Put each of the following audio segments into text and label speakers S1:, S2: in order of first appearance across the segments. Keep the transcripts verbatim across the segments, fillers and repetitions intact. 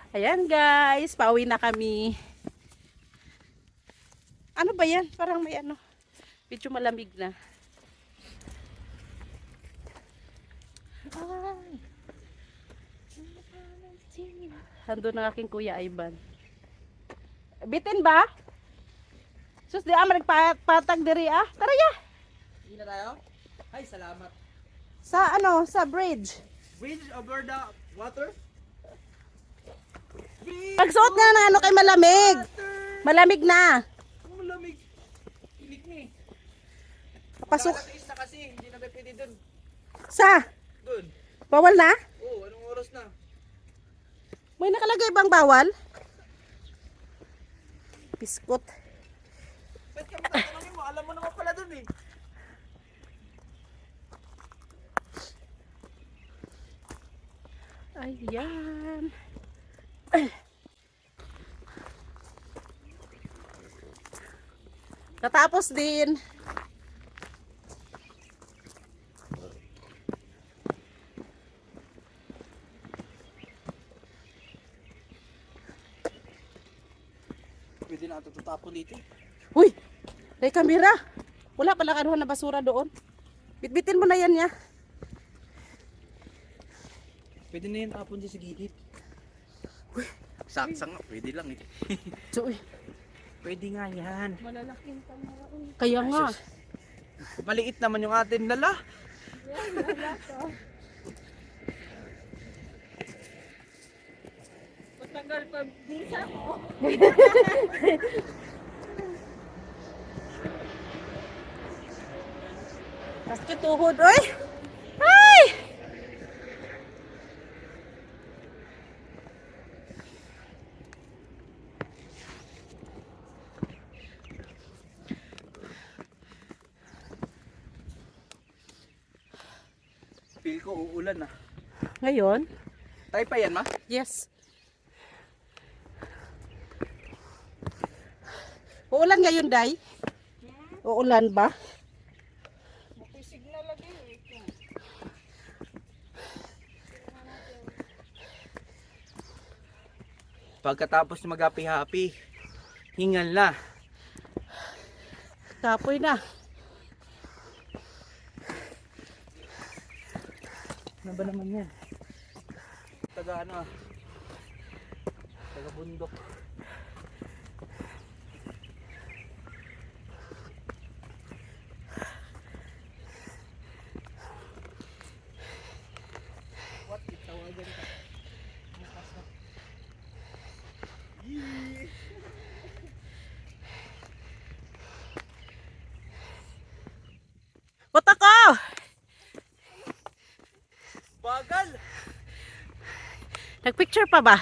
S1: Ayan guys, pauwi na kami. Ano ba yan? Parang may ano. Medyo malamig na. Ay. Hando ng aking kuya Ivan. Bitin ba? Sus, di ah, magpatag diri ah. Tara ya.
S2: Hindi na tayo? Ay, salamat.
S1: Sa ano, sa bridge.
S2: Bridge over the water? Bridge
S1: Pagsuot nga na ano kay malamig.
S2: water!
S1: Malamig na.
S2: Ang malamig. Pilik ni.
S1: Pasok.
S2: Nakakatiis na kasi, hindi na ba pwede dun.
S1: Sa?
S2: Dun.
S1: Bawal na?
S2: Oo, anong oras na?
S1: May nakalagay bang bawal? Biskot.
S2: Ba't ka matatanongin mo? Alam mo naman pala dun eh.
S1: Ayan. Natapos din.
S2: Pwede na ito tutapon dito.
S1: Uy! May kamera. Wala pala kanuhan na basura doon. Bitbitin mo na yan ya.
S2: Pwede na yan tapon dyan sa gilid. Saksa nga, pwede lang eh.
S1: So, uy.
S2: Pwede nga yan.
S3: Malalaking kamera.
S1: Kaya nga.
S2: Maliit naman yung atin lala.
S3: Yan, wala ka. Matagal pa bisa ko.
S1: Sakit tuhod. Uy! Ay!
S2: Feel ko uulan ah.
S1: Ngayon?
S2: Tayo pa yan ma?
S1: Yes. Uulan ngayon, Day? Uulan ba?
S3: Mapisig na lagi eh.
S2: Pagkatapos mag-happy-happy, hingal na.
S1: Kapoy na.
S2: Ano ba naman yan? Taga ano ah. Taga bundok. What? Itawagan ka. Yee!
S1: Puta ko!
S2: Bagal!
S1: Nagpicture pa ba?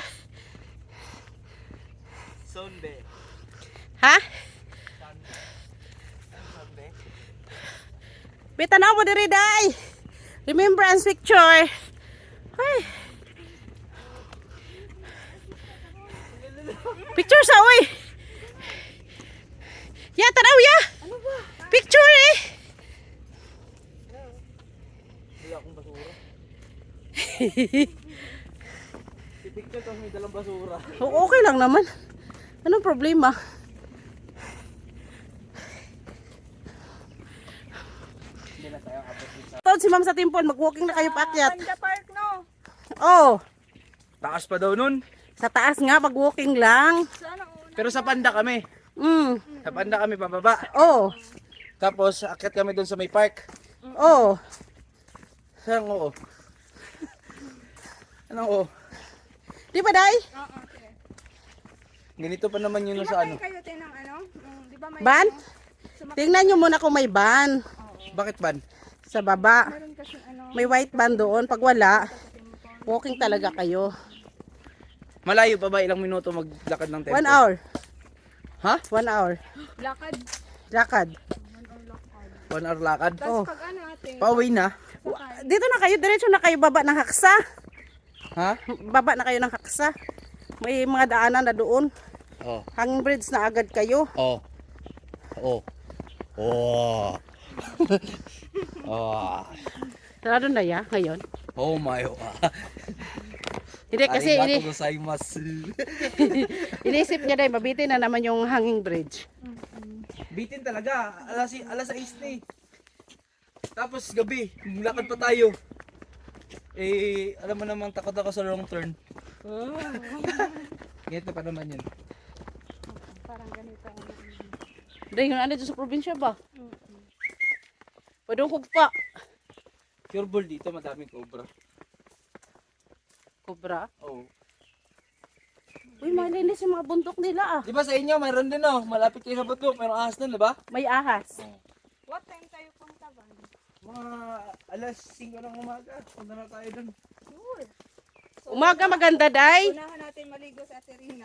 S2: Sunday.
S1: Ha?
S2: Sunday. Sunday.
S1: Bita na mo diri, Day! Remembrance picture! Ay! Picture sa uy! Ya, tanaw ya!
S3: Ano ba?
S1: Picture eh!
S2: Wala akong basura. Pipicture tapos may dalang basura.
S1: O- Okay lang naman. Anong problema?
S2: Hindi na tayo abot dito.
S1: Tawad si ma'am sa timpon, mag-walking na kayo paakyat.
S3: Panda Park no?
S1: Oh,
S2: Taas pa daw nun.
S1: sa taas nga, mag-walking lang.
S3: Sana una.
S2: Pero sa Panda kami.
S1: Mm.
S2: Sa Panda kami pababa.
S1: Oh,
S2: Tapos akit kami doon sa may park.
S1: oh.
S2: Saan oo? Anong oo?
S1: Di ba, Day?
S3: Oo, sige.
S2: Ganito pa naman yun sa
S3: Pinakay
S2: ano.
S3: kayo tinang ano? Mm, di ba may
S1: Ban?
S3: ano? Sumak-
S1: Tingnan nyo muna kung may ban
S2: Bakit ban?
S1: sa baba.
S3: Meron kasi ano?
S1: May white ban doon. Pag wala, walking talaga kayo.
S2: Malayo pa ba? Ilang minuto maglakad ng tempo?
S1: One hour.
S2: Ha?
S1: One hour.
S3: Lakad.
S1: Lakad.
S3: One hour lakad.
S2: One hour lakad?
S3: Tapos
S1: Oh.
S3: pag ano ate?
S2: Pauwi na?
S3: Sakay.
S1: Dito na kayo, diretso na kayo baba ng haksa.
S2: Ha?
S1: Baba na kayo ng haksa. May mga daanan na doon.
S2: Oh.
S1: Hanging bridge na agad kayo.
S2: Oh. Oh. Oh. oh.
S1: Sarado na ya ngayon.
S2: Oh my. Oh.
S1: Hindi kasi ini,
S2: Arigato gozaimasu.
S1: inisip niya dahil mabitin na naman yung hanging bridge.
S2: Bitin talaga. Alas, alas sais na eh. Tapos gabi, lakad pa tayo. Eh, alam mo namang takot ako sa wrong turn. Ganito pa naman yun.
S3: Parang ganito. ang ano.
S1: Dahil yung ano dyan sa probinsya ba? Pwede kong kugpa.
S2: Pure ball dito, madaming cobra.
S1: Cobra?
S2: Oh.
S1: Uy, malinis yung mga bundok nila ah.
S2: Di ba sa inyo, mayroon din oh. Malapit kayo sa bundok, mayroong ahas doon, di ba?
S1: May ahas.
S3: What time tayo punta ba?
S2: Mga alas singko ng umaga, punta na tayo doon.
S3: Sure. So,
S1: Umaga maganda, day.
S3: unahan natin maligo sa Aterina.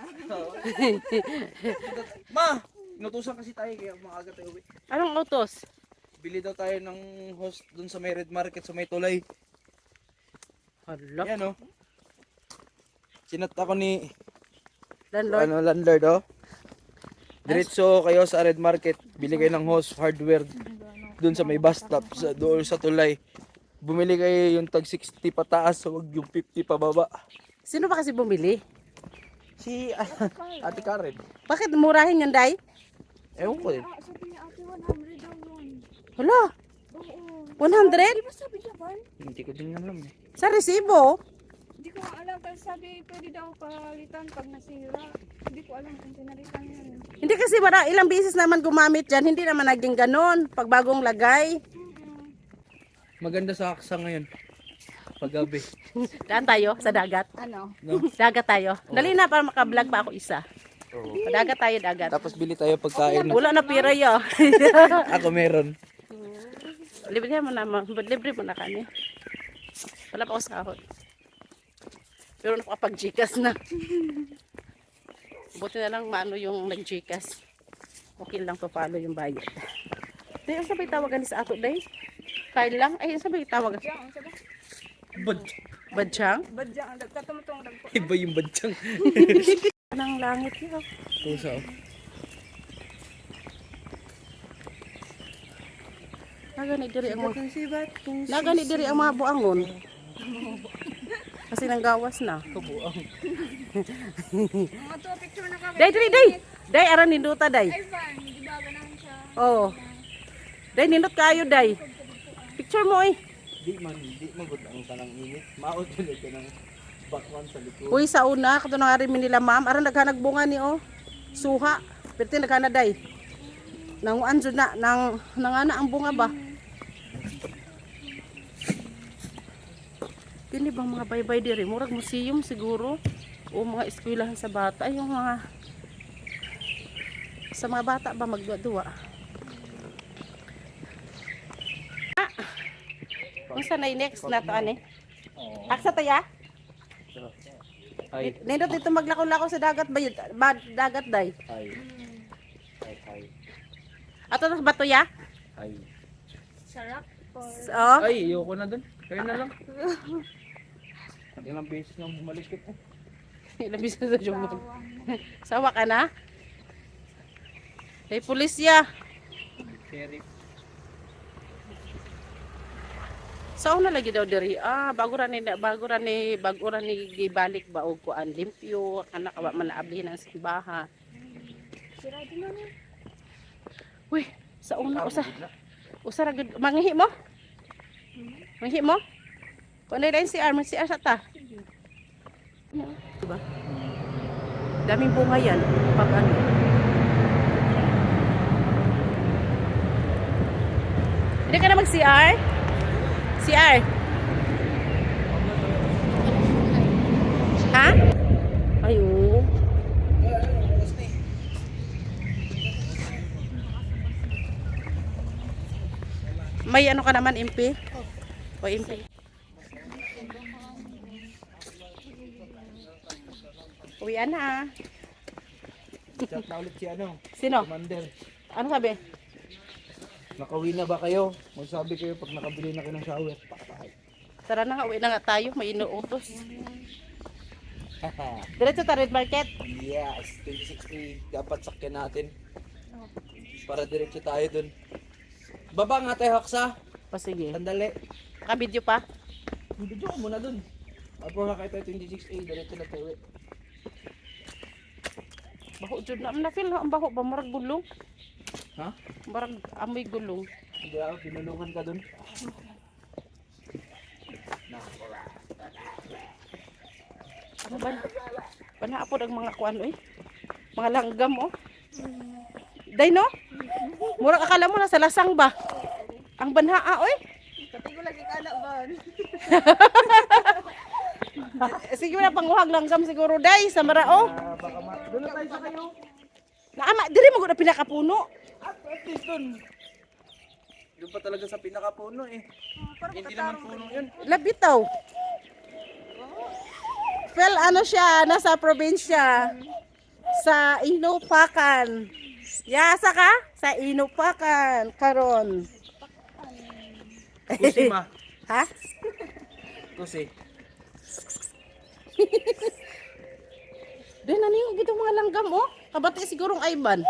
S2: Ma, inutusan kasi tayo kaya maaga tayo uwi.
S1: Anong autos?
S2: Bili daw tayo ng host doon sa may red market sa may tulay.
S1: Hala.
S2: Yan oh. Sinat ako ni
S1: Landlord.
S2: ano landlord oh. Diretso kayo sa red market, bili kayo ng host hardware doon sa may bus stop sa doon sa tulay. Bumili kayo yung tag sixty pataas, wag yung fifty pababa.
S1: Sino ba kasi bumili?
S2: Si Ate Karen.
S1: Bakit murahin yan, day?
S2: Ewan ko eh.
S3: Ah, sabi niya ate, one hundred daw yun.
S1: Hala,
S3: Oo.
S1: one hundred?
S3: Di ba sabi niya ba?
S2: Hindi ko din alam eh.
S1: Sa resibo?
S3: Hindi ko nga alam. Pero sabi, pwede daw palitan pag nasira. Hindi ko alam kung pinalitan yan.
S1: Hindi kasi mara, ilang beses naman gumamit dyan, hindi naman naging ganon. Pag bagong lagay.
S2: Maganda sa aksa ngayon. Paggabi.
S1: Daan tayo sa dagat.
S3: Ano?
S2: No?
S1: Dagat tayo. Dali na para makablog pa ako isa.
S2: Oo.
S1: Dagat tayo, dagat.
S2: Tapos bili tayo pagkain.
S1: Wala na pira yo.
S2: Ako meron.
S1: Libre mo na, ma- libre mo na kami. Wala pa ako sahod. Pero nakapag-Gcash na. Buti na lang maano yung nag-Gcash. Okay lang to follow yung bayad. Day, ang sabay tawagan ni sa ato, day? Kyle lang? Ay, ang sabay tawagan.
S3: Badyang, ang sabi?
S2: Bad.
S1: Badyang?
S3: Badyang, ang tatumutong dagpo.
S2: Iba yung badyang.
S1: Anong langit yun?
S2: Pusa oh.
S1: Nagani diri ang mga Nagani diri ang mga buangon. Kasi nang gawas na.
S2: Kabuang.
S3: Mga to, picture na kami.
S1: Day, day, day. Day, aran ninduta, day.
S3: Ay, fun. Di ba ganahan siya?
S1: Oo. Day, nindot kayo, day. Picture mo, eh.
S2: Di man, di man gud ang kanang init. Maot ulit ka ng bakwan sa likod.
S1: Uy, sa una, kato nang arin nila, ma'am. Aran naghanag bunga ni, oh. Suha. Pero naghana, day. Nanguan dyan na. Nang, nangana ang bunga ba? Kini bang mga baybay diri? Murag museum siguro. O mga eskwelahan sa bata. Ay, yung mga... Sa mga bata ba magduwa-duwa? Ah! Kung saan na next na to, ane? Aksa tayo, ah?
S2: Ay.
S1: Nindot dito maglakaw-lakaw sa dagat ba yun? Ba, dagat, day?
S2: Ay. Ay, ay.
S1: Ato na ba to, ya?
S2: Ay.
S3: Sarap. Or...
S1: Oh.
S2: Ay, ayoko na dun. Kayo na lang. Ilang beses nang bumalik ko.
S1: Ilabis na sa jumbo. Sawa ka na? Hey, pulisya.
S2: Sheriff.
S1: Sao na lagi daw diri? Ah, bago ra ni bago ra ni bago ra ni gibalik ba og kuan limpyo kana ka man naabli ng simbahan.
S3: Sira din na.
S1: Uy, sa una usa. Usa ra gud manghi mo? Manghi mo? Kuno din si Arman si Asa ta. Diba? Daming bunga yan pag ano. Hindi ka na mag-C R? C R? Ha? Ay, oo. May ano ka naman, M P? O M P? Uwian na.
S2: Chat na ulit si ano,
S1: Sino?
S2: Commander.
S1: Ano sabi?
S2: Nakauwi na ba kayo? Magsabi kayo pag nakabili na kayo ng shower. Pakatay.
S1: Tara na nga, uwi na nga tayo. May inuutos. Diretso ta Red Market.
S2: Yes, twenty sixty dapat sakyan natin. Para diretso tayo dun. Baba nga tayo, Haksa.
S1: O sige.
S2: Sandali.
S1: Naka-video pa?
S2: Video ko muna dun. Apo na kayo twenty-six A, dito na tayo.
S1: Baho jud na na feel ang baho ba marag gulong.
S2: Ha?
S1: Marag amoy gulong.
S2: Hindi ako, binulungan ka dun.
S1: Ano ba? Panaapod ang mga kuan oy. Mga langgam oh. Day no? Murag akala mo na sa lasang ba? Ang banhaa oy.
S3: Pati ko lagi kana ba?
S1: Sige na panguhag langgam siguro day sa marao.
S2: Ah, baka ma... Doon na tayo sa kayo.
S1: Naama diri mo gud na pinakapuno.
S2: At at least dun. Doon pa talaga sa pinakapuno eh. Hindi naman puno yun.
S1: Labitaw. Fel ano siya nasa probinsya sa Inupakan. Yasa ka sa Inupakan karon.
S2: Kusi ma.
S1: Ha?
S2: Kusi.
S1: Doon na niyo gito mga langgam oh. Kabati sigurong Ivan.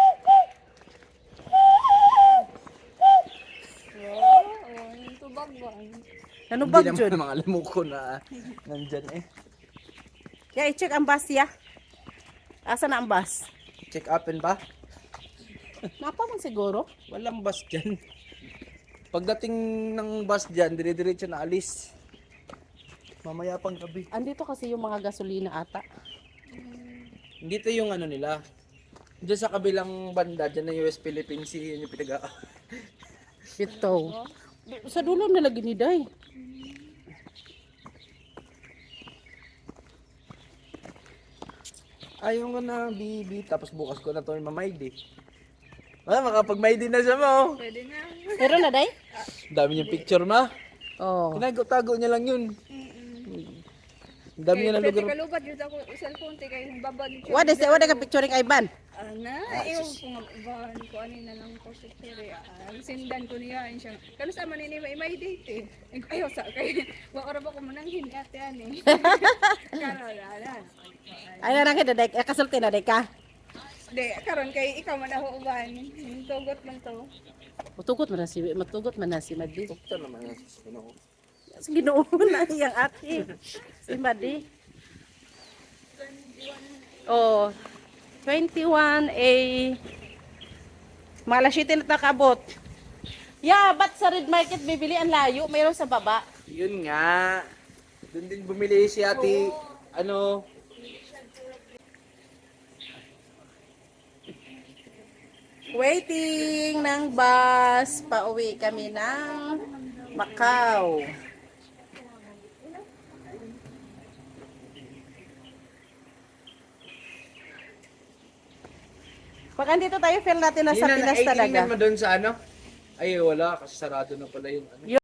S3: Oo, oh, tubag ba?
S1: Ano
S2: Hindi
S1: bag
S2: naman
S1: jud?
S2: mga lamuko na nandyan eh.
S1: Ya i-check ang bus ya. Asa na ang bus?
S2: Check upin ba?
S1: Napa man siguro.
S2: Walang bus dyan. Pagdating ng bus dyan, dire-diretso na alis. Mamaya pang gabi.
S1: Andito kasi yung mga gasolina ata.
S2: Dito yung ano nila. Diyan sa kabilang banda, dyan na U S Philippine Sea, yun yung pinaga.
S1: Ito. Sa dulo na lagi ni Day.
S2: Ayaw nga na, bibi. Tapos bukas ko na to yung mamaydi. Wala, makapag-maydi na siya mo.
S3: Pwede na.
S1: Pero na Day?
S2: Dami niyang picture ma.
S1: Oh.
S2: Tinago-tago niya lang yun. Ang dami niya na
S3: Pwede
S2: lugar.
S3: kalubat yun ako cellphone te kay babad ni.
S1: Wala sa wala ka picturing Ivan.
S3: Ana, iyo ko nga ban ko ani na lang ko sa kere. Ang sindan ko niya in siya. Kano sa man ni may may date eh. Ayo sa kay wa ora ba ko mananghin ate ani. Karo ala.
S1: Ay na kita Day, eh, kasulti na Day ka.
S3: De karon kay ikaw man ako uban. Tugot man to.
S1: Matugot man na si matugot man na si Madi.
S2: Tukta naman yan. Ano?
S1: Sige Ginoo na iyang ate. Si Madi. Oh. twenty-one A Malasitin na takabot. Yeah, ba't sa Red Market bibili ang layo? Mayroon sa baba.
S2: Yun nga. Doon din bumili si ate, ano,
S1: Waiting ng bus. Pauwi kami ng Macau. Pag andito tayo, feel natin nasa
S2: yun na,
S1: Pinas
S2: eighteen
S1: talaga.
S2: naman doon sa ano? Ay, wala, kasi sarado na pala yung ano.